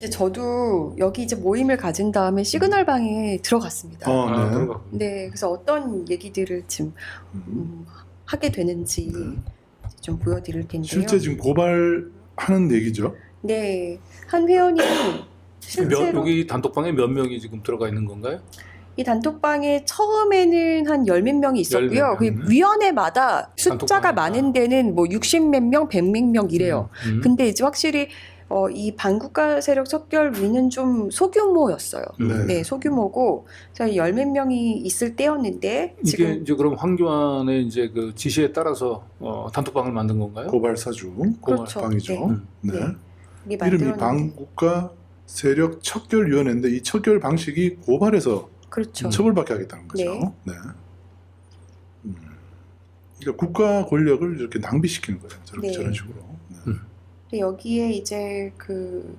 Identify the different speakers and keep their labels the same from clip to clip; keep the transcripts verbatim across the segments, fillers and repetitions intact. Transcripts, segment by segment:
Speaker 1: 저도 여기 이제 모임을 가진 다음에 시그널 방에 들어갔습니다.
Speaker 2: 어,
Speaker 3: 아,
Speaker 2: 네.
Speaker 3: 들어가.
Speaker 1: 네, 그래서 어떤 얘기들을 지금
Speaker 2: 음.
Speaker 1: 음, 하게 되는지
Speaker 2: 네.
Speaker 1: 좀 보여드릴 텐데요.
Speaker 2: 실제 지금 고발하는 얘기죠.
Speaker 1: 네, 한 회원이
Speaker 3: 몇,
Speaker 1: 실제로
Speaker 3: 여기 단톡방에 몇 명이 지금 들어가 있는 건가요?
Speaker 1: 이 단톡방에 처음에는 한 열 몇 명이 있었고요.
Speaker 3: 열 몇
Speaker 1: 그
Speaker 3: 명.
Speaker 1: 위원회마다 숫자가
Speaker 3: 단톡방에.
Speaker 1: 많은 데는 뭐 육십 몇 명, 백 몇 명 이래요.
Speaker 3: 음, 음.
Speaker 1: 근데 이제 확실히 어, 이 반국가 세력 척결위는 좀 소규모였어요.
Speaker 2: 네.
Speaker 1: 네, 소규모고 저희 열 몇 명이 있을 때였는데
Speaker 3: 이게
Speaker 1: 지금
Speaker 3: 이제 그럼 황교안의 이제 그 지시에 따라서 어, 단톡방을 만든 건가요?
Speaker 2: 고발 사주
Speaker 1: 그렇죠.
Speaker 2: 방이죠.
Speaker 1: 네.
Speaker 3: 음.
Speaker 2: 네.
Speaker 1: 네. 이게
Speaker 2: 이름이
Speaker 1: 만들었는데
Speaker 2: 반국가 세력 척결위원회인데 이 척결 방식이 고발해서
Speaker 1: 그렇죠.
Speaker 2: 처벌받게 하겠다는 거죠.
Speaker 1: 네.
Speaker 2: 네. 음. 그러니까 국가 권력을 이렇게 낭비시키는 거예요. 저렇게
Speaker 1: 네.
Speaker 2: 저런 식으로. 네.
Speaker 3: 음.
Speaker 1: 근데 여기에 이제 그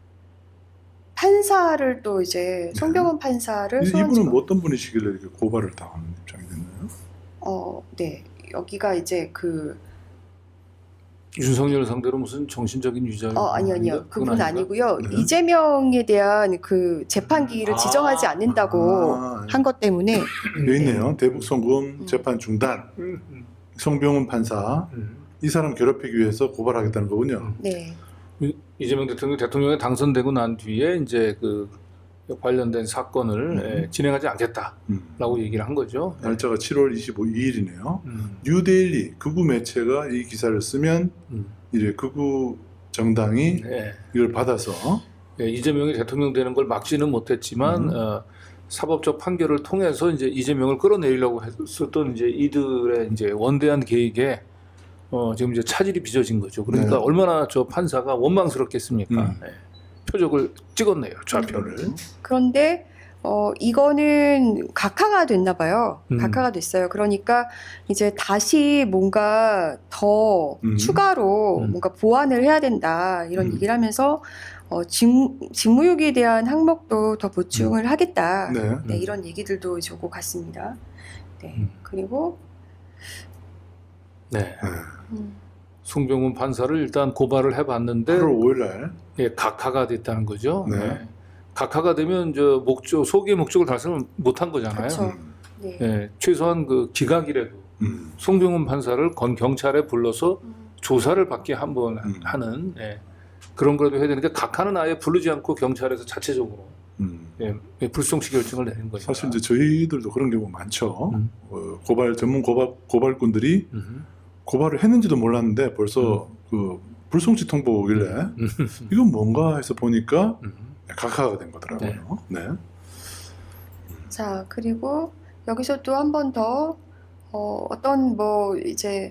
Speaker 1: 판사를 또 이제 송병헌 판사를
Speaker 2: 이-
Speaker 1: 소환
Speaker 2: 이분은 뭐 어떤 분이시길래 이렇게 고발을 당하는 입장이 됐나요?
Speaker 1: 어, 네. 여기가 이제 그
Speaker 3: 윤석열 상대로 무슨 정신적인 유죄?
Speaker 1: 어, 아니 아니요. 그분
Speaker 3: 아닌가?
Speaker 1: 아니고요.
Speaker 2: 네.
Speaker 1: 이재명에 대한 그 재판기일을
Speaker 3: 아.
Speaker 1: 지정하지 않는다고
Speaker 2: 아,
Speaker 1: 한 것 때문에
Speaker 2: 여기 있네요. 대북 송금
Speaker 1: 음.
Speaker 2: 재판 중단.
Speaker 3: 음, 음,
Speaker 2: 송병훈 판사
Speaker 3: 음.
Speaker 2: 이 사람 괴롭히기 위해서 고발하겠다는 거군요.
Speaker 1: 네.
Speaker 3: 이재명 대통령 대통령에 당선되고 난 뒤에 이제 그 관련된 사건을
Speaker 2: 음.
Speaker 3: 예, 진행하지 않겠다라고
Speaker 2: 음.
Speaker 3: 얘기를 한 거죠.
Speaker 2: 날짜가 칠월 이십오일이네요.
Speaker 3: 음,
Speaker 2: 뉴데일리 극우 매체가 이 기사를 쓰면
Speaker 3: 음.
Speaker 2: 이제 극우 정당이
Speaker 3: 네.
Speaker 2: 이걸 받아서
Speaker 3: 예, 이재명이 대통령 되는 걸 막지는 못했지만
Speaker 2: 음.
Speaker 3: 어, 사법적 판결을 통해서 이제 이재명을 끌어내리려고 했었던 이제 이들의 이제 원대한 계획에 어, 지금 이제 차질이 빚어진 거죠. 그러니까
Speaker 2: 네.
Speaker 3: 얼마나 저 판사가 원망스럽겠습니까?
Speaker 2: 음.
Speaker 3: 예. 표적을 찍었네요. 좌표를.
Speaker 1: 그런데 어 이거는 각하가 됐나 봐요.
Speaker 3: 음.
Speaker 1: 각하가 됐어요. 그러니까 이제 다시 뭔가 더
Speaker 2: 음.
Speaker 1: 추가로
Speaker 3: 음.
Speaker 1: 뭔가 보완을 해야 된다 이런
Speaker 2: 음.
Speaker 1: 얘기를 하면서 어 직, 직무유기에 대한 항목도 더 보충을 하겠다.
Speaker 2: 네.
Speaker 1: 네, 이런 얘기들도 이제 오고 갔습니다. 네.
Speaker 3: 음.
Speaker 1: 그리고
Speaker 3: 네.
Speaker 2: 네.
Speaker 1: 음,
Speaker 3: 송병훈 판사를 일단 고발을 해봤는데
Speaker 2: 팔월 오일날
Speaker 3: 예, 각하가 됐다는 거죠.
Speaker 2: 네.
Speaker 3: 예. 각하가 되면 저 목적 소기의 목적을 달성을 못한 거잖아요.
Speaker 1: 그렇죠.
Speaker 2: 음.
Speaker 1: 네.
Speaker 3: 예, 최소한 그 기각이라도
Speaker 2: 음.
Speaker 3: 송병훈 판사를 건 경찰에 불러서
Speaker 1: 음,
Speaker 3: 조사를 받게 한번
Speaker 2: 음.
Speaker 3: 하는 예, 그런 거라도 해야 되는데 각하는 아예 부르지 않고 경찰에서 자체적으로
Speaker 2: 음.
Speaker 3: 예, 예, 불송치 결정을 내는 거죠.
Speaker 2: 사실 이제 저희들도 그런 경우 많죠.
Speaker 3: 음.
Speaker 2: 어, 고발 전문 고발 고발꾼들이
Speaker 3: 음.
Speaker 2: 고발을 했는지도 몰랐는데 벌써 그 불송치 통보 오길래
Speaker 3: 음.
Speaker 2: 이건 뭔가 해서 보니까
Speaker 3: 음.
Speaker 2: 각하가 된 거더라고요. 네.
Speaker 1: 자, 그리고 여기서 또 한 번 더, 어, 어떤 뭐, 이제,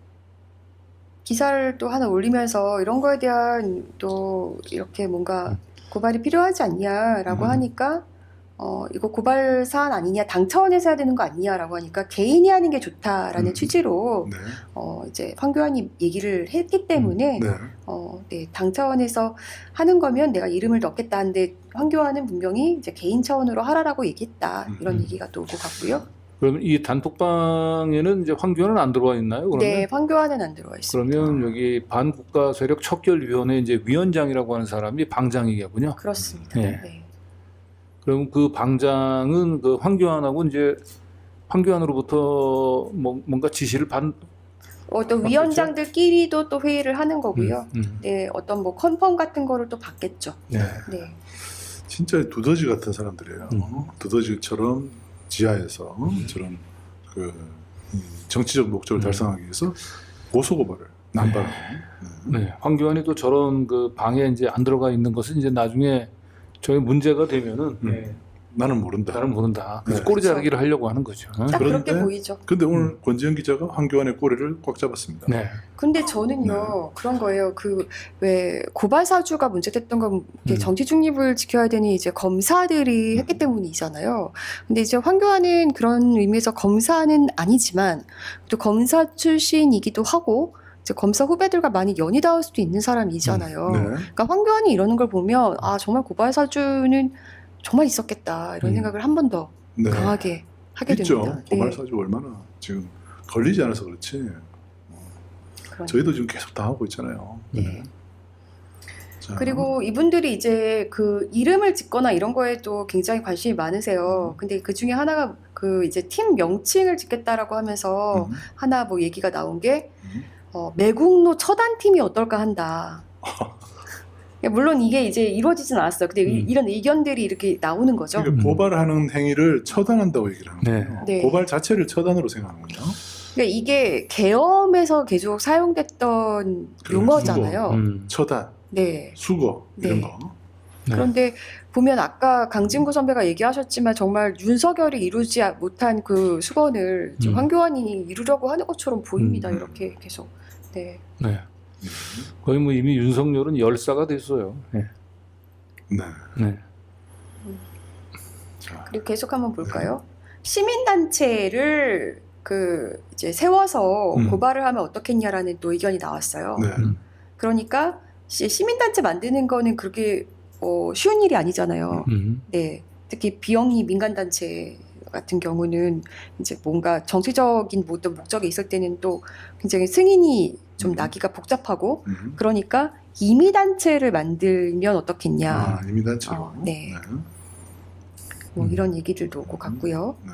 Speaker 1: 기사를 또 하나 올리면서 이런 거에 대한 또 이렇게 뭔가
Speaker 3: 음.
Speaker 1: 고발이 필요하지 않냐라고
Speaker 2: 음.
Speaker 1: 하니까, 어, 이거 고발 사안 아니냐, 당 차원에서 해야 되는 거 아니냐라고 하니까 개인이 하는 게 좋다라는
Speaker 2: 음.
Speaker 1: 취지로,
Speaker 2: 네.
Speaker 1: 어, 이제 황교안이 얘기를 했기 때문에,
Speaker 2: 네.
Speaker 1: 어, 네, 당 차원에서 하는 거면 내가 이름을 넣겠다 하는데 황교안은 분명히 이제 개인 차원으로 하라라고 얘기했다. 이런
Speaker 3: 음.
Speaker 1: 얘기가 또 오고 갔고요.
Speaker 3: 그러면 이 단톡방에는 이제 황교안은 안 들어와 있나요? 그러면
Speaker 1: 네, 황교안은 안 들어와 있습니다.
Speaker 3: 그러면 여기 반국가 세력 척결위원회 이제 위원장이라고 하는 사람이 방장이겠군요.
Speaker 1: 그렇습니다.
Speaker 3: 네.
Speaker 1: 네.
Speaker 3: 그럼 그 방장은 그 황교안하고 이제 황교안으로부터 뭐 뭔가 지시를 받
Speaker 1: 어떤
Speaker 3: 받겠죠?
Speaker 1: 위원장들끼리도 또 회의를 하는 거고요.
Speaker 3: 음, 음.
Speaker 1: 네, 어떤 뭐 컨펌 같은 거를 또 받겠죠.
Speaker 3: 네.
Speaker 1: 네.
Speaker 2: 진짜 두더지 같은 사람들이에요.
Speaker 3: 음.
Speaker 2: 두더지처럼 지하에서 저런 그 음, 정치적 목적을
Speaker 3: 음.
Speaker 2: 달성하기 위해서 고소고발을 남발하고. 네.
Speaker 3: 네. 황교안이 또 저런 그 방에 이제 안 들어가 있는 것은 이제 나중에 저희 문제가 되면은
Speaker 2: 음.
Speaker 3: 네,
Speaker 2: 나는 모른다.
Speaker 3: 나는 모른다. 그래서
Speaker 2: 네.
Speaker 3: 꼬리 자르기를 하려고 하는 거죠.
Speaker 1: 딱
Speaker 2: 그런데-
Speaker 1: 그렇게 보이죠.
Speaker 2: 근데 오늘
Speaker 3: 음.
Speaker 2: 권지현 기자가 황교안의 꼬리를 꽉 잡았습니다.
Speaker 3: 네.
Speaker 1: 근데 저는요 그런 거예요. 그 왜 고발 사주가 문제됐던 건 이렇게
Speaker 3: 음.
Speaker 1: 정치 중립을 지켜야 되는 이제 검사들이 했기 때문이잖아요. 근데 이제 황교안은 그런 의미에서 검사는 아니지만 또 검사 출신이기도 하고 이제 검사 후배들과 많이 연이 닿을 수도 있는 사람이잖아요.
Speaker 2: 네.
Speaker 1: 그러니까 황교안이 이러는 걸 보면 아 정말 고발 사주는 정말 있었겠다 이런
Speaker 3: 음.
Speaker 1: 생각을 한 번 더
Speaker 2: 네.
Speaker 1: 강하게 하게
Speaker 2: 있죠.
Speaker 1: 됩니다.
Speaker 2: 고발
Speaker 1: 네.
Speaker 2: 사주 얼마나 지금 걸리지 않아서 그렇지.
Speaker 1: 그러니까.
Speaker 2: 저희도 지금 계속 당하고 있잖아요.
Speaker 1: 네.
Speaker 2: 자,
Speaker 1: 그리고 이분들이 이제 그 이름을 짓거나 이런 거에도 굉장히 관심이 많으세요. 근데 그 중에 하나가 그 이제 팀 명칭을 짓겠다라고 하면서
Speaker 2: 음,
Speaker 1: 하나 뭐 얘기가 나온 게
Speaker 2: 음.
Speaker 1: 어, 매국노 처단팀이 어떨까 한다. 물론 이게 이제 이루어지진 않았어요. 근데 이-
Speaker 3: 음.
Speaker 1: 이런 의견들이 이렇게 나오는 거죠.
Speaker 2: 그러니까
Speaker 3: 음.
Speaker 2: 고발하는 행위를 처단한다고 얘기를 하는
Speaker 3: 네.
Speaker 2: 거예요.
Speaker 1: 네.
Speaker 2: 고발 자체를 처단으로 생각하는군요.
Speaker 1: 그러니까 이게 계엄에서 계속 사용됐던
Speaker 2: 그래,
Speaker 1: 용어잖아요.
Speaker 3: 음.
Speaker 2: 처단,
Speaker 1: 네.
Speaker 2: 수거 이런
Speaker 1: 네.
Speaker 2: 거.
Speaker 3: 네.
Speaker 1: 그런데 보면 아까 강진구 선배가 얘기하셨지만 정말 윤석열이 이루지 못한 그 수건을 지금
Speaker 3: 음.
Speaker 1: 황교안이 이루려고 하는 것처럼 보입니다.
Speaker 2: 음.
Speaker 1: 이렇게 계속. 네.
Speaker 3: 네.
Speaker 2: 음.
Speaker 3: 거의 뭐 이미 윤석열은 열사가 됐어요. 네.
Speaker 2: 네.
Speaker 3: 네.
Speaker 2: 자,
Speaker 1: 그리고 계속 한번 볼까요?
Speaker 2: 네.
Speaker 1: 시민단체를 그 이제 세워서
Speaker 2: 음.
Speaker 1: 고발을 하면 어떻겠냐라는 또 의견이 나왔어요.
Speaker 2: 네.
Speaker 3: 음.
Speaker 1: 그러니까 시- 시민단체 만드는 거는 그렇게 어, 쉬운 일이 아니잖아요.
Speaker 3: 음.
Speaker 1: 네. 특히 비영리 민간단체 같은 경우는 이제 뭔가 정치적인 어떤 목적이 있을 때는 또 굉장히 승인이 좀
Speaker 2: 음.
Speaker 1: 나기가 복잡하고
Speaker 2: 음.
Speaker 1: 그러니까 임의단체를 만들면 어떻겠냐.
Speaker 2: 아, 이민단체로.
Speaker 1: 어, 네.
Speaker 2: 네.
Speaker 1: 뭐
Speaker 3: 음.
Speaker 1: 이런 얘기들도 오고 갔고요.
Speaker 2: 네.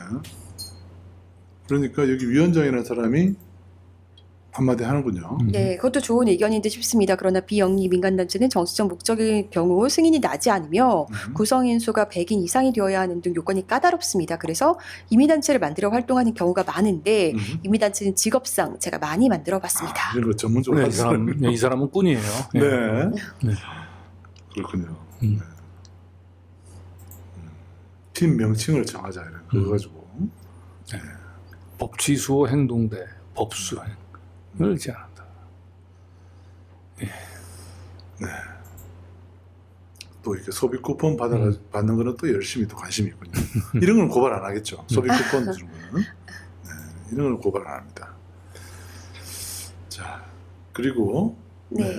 Speaker 2: 그러니까 여기 위원장이라는 사람이 한마디 하는군요.
Speaker 3: 음.
Speaker 1: 네, 그것도 좋은 의견인 듯 싶습니다. 그러나 비영리 민간단체는 정치적 목적의 경우 승인이 나지 않으며
Speaker 2: 음.
Speaker 1: 구성인 수가 백인 이상이 되어야 하는 등 요건이 까다롭습니다. 그래서 임의단체를 만들어 활동하는 경우가 많은데
Speaker 2: 음.
Speaker 1: 임의단체는 직업상 제가 많이 만들어 봤습니다.
Speaker 2: 아, 이런 거 전문적으로
Speaker 3: 네, 이
Speaker 2: 하시는
Speaker 3: 사람, 네, 이 사람은 꾼이에요.
Speaker 2: 네.
Speaker 3: 네.
Speaker 2: 그렇군요.
Speaker 3: 음.
Speaker 2: 네. 음. 팀 명칭을 정하자 이런 거
Speaker 3: 음.
Speaker 2: 가지고.
Speaker 3: 법치수호 행동대 법수행을 제한한다.
Speaker 2: 또 이렇게 소비 쿠폰 받아
Speaker 3: 음.
Speaker 2: 받는 거는 또 열심히 또 관심이 있군요. 이런 건 고발 안 하겠죠. 소비 쿠폰 주는 거는. 네, 이런 건 고발 안 합니다. 자, 그리고
Speaker 1: 네.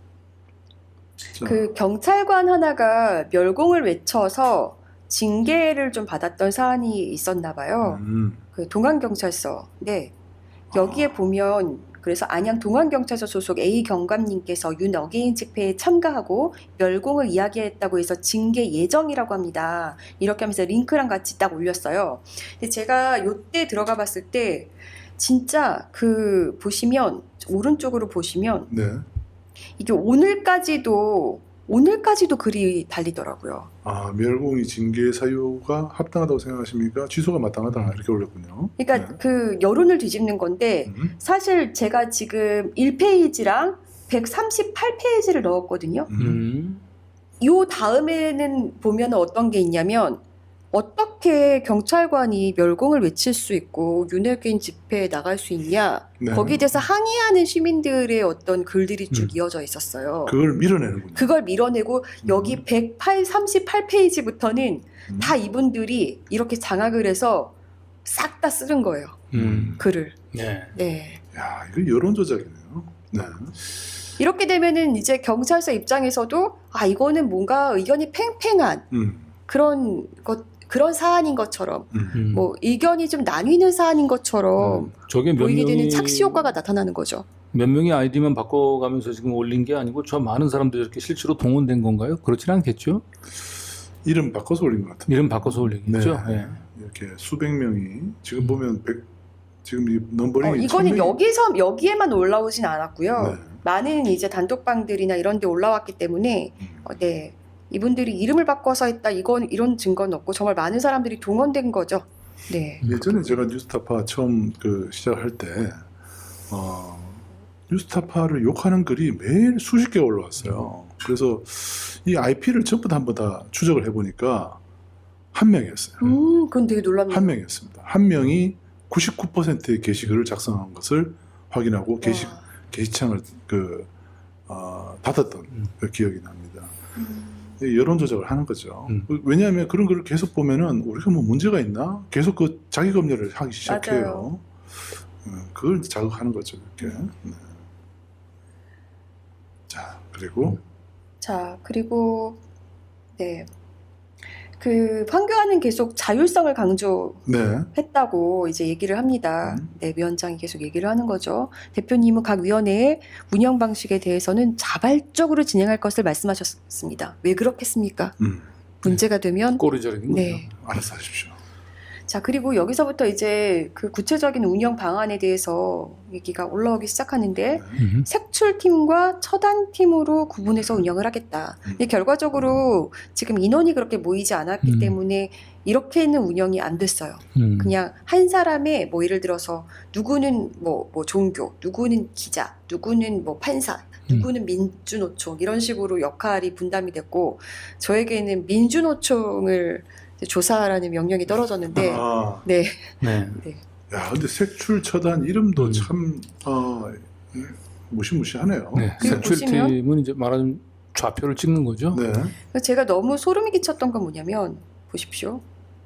Speaker 2: 자,
Speaker 1: 그 경찰관 하나가 멸공을 외쳐서 징계를 좀 받았던 사안이 있었나 봐요.
Speaker 2: 음,
Speaker 1: 그 동안경찰서. 네. 여기에
Speaker 2: 아.
Speaker 1: 보면 그래서 안양 동안경찰서 소속 A 경감님께서 윤 어게인 집회에 참가하고 멸공을 이야기했다고 해서 징계 예정이라고 합니다. 이렇게 하면서 링크랑 같이 딱 올렸어요. 근데 제가 요때 들어가 봤을 때 진짜 그 보시면 오른쪽으로 보시면
Speaker 2: 네.
Speaker 1: 이게 오늘까지도 오늘까지도 글이 달리더라고요.
Speaker 2: 아, 멸공이 징계 사유가 합당하다고 생각하십니까? 취소가 마땅하다 이렇게 올렸군요.
Speaker 1: 그러니까
Speaker 2: 네.
Speaker 1: 그 여론을 뒤집는 건데
Speaker 2: 음,
Speaker 1: 사실 제가 지금 일 페이지랑 백삼십팔 페이지를 넣었거든요.
Speaker 2: 음,
Speaker 3: 음.
Speaker 1: 요 다음에는 보면 어떤 게 있냐면 어떻게 경찰관이 멸공을 외칠 수 있고 윤핵인 집회에 나갈 수 있냐
Speaker 2: 네.
Speaker 1: 거기에 대해서 항의하는 시민들의 어떤 글들이 쭉
Speaker 3: 음.
Speaker 1: 이어져 있었어요.
Speaker 2: 그걸 밀어내는군요.
Speaker 1: 그걸 밀어내고 여기 백삼십팔 페이지부터는
Speaker 2: 음,
Speaker 1: 다 이분들이 이렇게 장악을 해서 싹 다 쓰는 거예요.
Speaker 3: 음.
Speaker 1: 글을.
Speaker 3: 네.
Speaker 1: 네.
Speaker 2: 야, 이거 여론 조작이네요. 네.
Speaker 1: 이렇게 되면은 이제 경찰서 입장에서도 아 이거는 뭔가 의견이 팽팽한
Speaker 2: 음,
Speaker 1: 그런 것 그런 사안인 것처럼
Speaker 2: 음.
Speaker 3: 음.
Speaker 1: 뭐 의견이 좀 나뉘는 사안인 것처럼
Speaker 3: 음. 저게 몇
Speaker 1: 보이게 되는
Speaker 3: 명이
Speaker 1: 착시 효과가 나타나는 거죠.
Speaker 3: 몇 명이 아이디만 바꿔가면서 지금 올린 게 아니고 저 많은 사람들이 이렇게 실제로 동원된 건가요? 그렇진 않겠죠?
Speaker 2: 이름 바꿔서 올린 것 같은데.
Speaker 3: 이름 바꿔서 올리겠죠?
Speaker 2: 네.
Speaker 3: 네.
Speaker 2: 이렇게 수백 명이 지금
Speaker 3: 음.
Speaker 2: 보면 백 지금 이
Speaker 1: 어,
Speaker 2: 넘버링이
Speaker 1: 이거는
Speaker 2: 천 명이-
Speaker 1: 여기서 여기에만 올라오진 않았고요.
Speaker 2: 네.
Speaker 1: 많은 이제 단톡방들이나 이런 데 올라왔기 때문에
Speaker 2: 음.
Speaker 1: 어, 네. 이분들이 이름을 바꿔서 했다. 이건 이런 증거는 없고 정말 많은 사람들이 동원된 거죠. 네.
Speaker 2: 예전에 제가 뉴스타파 처음 그 시작할 때 어, 뉴스타파를 욕하는 글이 매일 수십 개가 올라왔어요. 그래서 이 아이피를 전부 다 한번 다 추적을 해보니까 한 명이었어요.
Speaker 1: 음, 그건 되게 놀랍네요.
Speaker 2: 한 명이었습니다. 한 명이 구십구 퍼센트의 게시글을 작성한 것을 확인하고 게시,
Speaker 1: 와.
Speaker 2: 게시창을 그, 어, 닫았던
Speaker 3: 음.
Speaker 2: 그 기억이 납니다.
Speaker 1: 음.
Speaker 2: 여론 조작을 하는 거죠.
Speaker 3: 음.
Speaker 2: 왜냐하면 그런 글을 계속 보면은 우리가 뭐 문제가 있나? 계속 그 자기 검열을 하기 시작해요.
Speaker 1: 맞아요.
Speaker 2: 음, 그걸 자극하는 거죠. 이렇게. 네. 자, 그리고
Speaker 1: 자, 그리고 네. 그 황교안은 계속 자율성을 강조했다고
Speaker 2: 네.
Speaker 1: 이제 얘기를 합니다.
Speaker 2: 음.
Speaker 1: 네, 위원장이 계속 얘기를 하는 거죠. 대표님은 각 위원회의 운영 방식에 대해서는 자발적으로 진행할 것을 말씀하셨습니다. 왜 그렇겠습니까?
Speaker 2: 음.
Speaker 1: 문제가 되면
Speaker 3: 꼬리저리는 거죠.
Speaker 1: 네.
Speaker 2: 알아서 하십시오.
Speaker 1: 자, 그리고 여기서부터 이제 그 구체적인 운영 방안에 대해서 얘기가 올라오기 시작하는데
Speaker 3: 음.
Speaker 1: 색출팀과 처단팀으로 구분해서 운영을 하겠다.
Speaker 2: 음.
Speaker 1: 근데 결과적으로 지금 인원이 그렇게 모이지 않았기
Speaker 3: 음.
Speaker 1: 때문에 이렇게는 운영이 안 됐어요.
Speaker 3: 음.
Speaker 1: 그냥 한 사람의 뭐 예를 들어서 누구는 뭐, 뭐 종교, 누구는 기자, 누구는 뭐 판사, 누구는 민주노총 이런 식으로 역할이 분담이 됐고 저에게는 민주노총을 이제 조사하라는 명령이 떨어졌는데
Speaker 2: 아,
Speaker 1: 네.
Speaker 3: 네.
Speaker 1: 네.
Speaker 2: 야, 근데 색출 처단 이름도
Speaker 3: 음.
Speaker 2: 참 어, 무시무시하네요.
Speaker 3: 네.
Speaker 1: 그리고
Speaker 3: 색출팀은 이제 말하자면 좌표를 찍는 거죠.
Speaker 2: 네.
Speaker 1: 그래서 제가 너무 소름이 끼쳤던 건 뭐냐면 보십시오.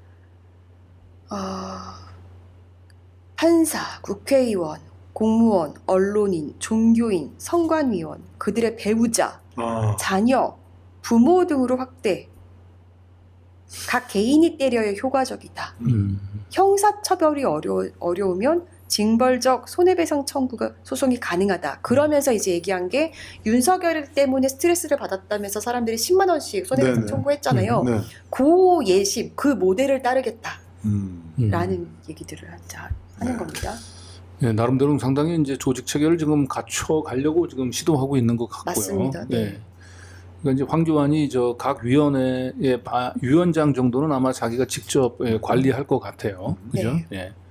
Speaker 1: 아, 판사, 국회의원, 공무원, 언론인, 종교인, 선관위원, 그들의 배우자,
Speaker 2: 아,
Speaker 1: 자녀, 부모 등으로 확대. 각 개인이 때려야 효과적이다.
Speaker 3: 음.
Speaker 1: 형사처벌이 어려, 어려우면 징벌적 손해배상 청구가 소송이 가능하다. 그러면서 이제 얘기한 게 윤석열 때문에 스트레스를 받았다면서 사람들이 십만 원씩 손해배상
Speaker 2: 네네.
Speaker 1: 청구했잖아요.
Speaker 2: 네.
Speaker 1: 그 예심, 그 모델을 따르겠다라는
Speaker 2: 음.
Speaker 3: 음.
Speaker 1: 얘기들을 자, 하는 겁니다.
Speaker 3: 네, 나름대로 상당히 이제 조직 체계를 지금 갖춰 가려고 지금 시도하고 있는 것 같고요.
Speaker 1: 맞습니다. 네.
Speaker 3: 그러니까 이제 황교안이 저 각 위원회의 바- 위원장 정도는 아마 자기가 직접 예, 관리할 것 같아요. 그죠?
Speaker 1: 네.
Speaker 3: 예.